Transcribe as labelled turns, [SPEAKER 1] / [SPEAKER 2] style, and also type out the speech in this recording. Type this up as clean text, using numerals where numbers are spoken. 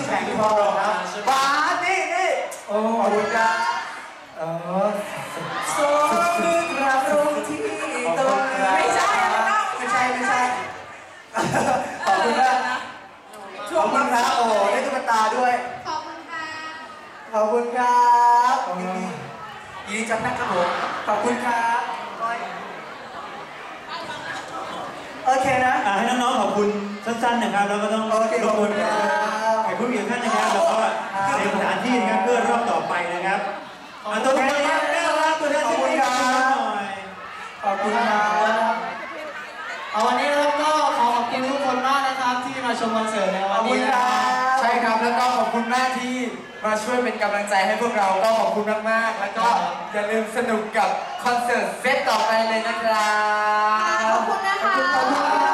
[SPEAKER 1] แข็งพอครับบาสนี่โอ้ขอบคุณครับโซ่คือกระตรงที่ตรงไม่ใช่ขอบคุณนะขอบคุณครับโอ้ได้ตุ๊กตาด้วย
[SPEAKER 2] ขอบคุณค่ะ
[SPEAKER 1] ขอบคุณครับยินดีจังนะครับผมขอบคุณครับโอเคนะ
[SPEAKER 3] ให้น้องๆขอบคุณสั้นๆนะครับแล้วก็ต้องรบกวนแขกผู้มีเกียรติท่านนะครับแล้วก็เตรียมสถานที่นะครับเพื่อรอบต่อไปนะครับตัวแทนนะครับตัวแทนขอบคุณครับ
[SPEAKER 1] ขอบคุณครับ
[SPEAKER 4] วันนี้เราก็ขอขอบคุณทุกคนมากนะครับที่มาชมคอนเสิร์ตในวันนี้นะครับ
[SPEAKER 1] ใช่ครับแล้วก็ขอบคุณมากที่มาช่วยเป็นกำลังใจให้พวกเราก็ขอบคุณมากๆแล้วก็อย่าลืมสนุกกับคอนเสิร์ตเซตต่อไปเลยนะครับ
[SPEAKER 2] ขอบคุณนะคะ
[SPEAKER 1] ขอบคุณ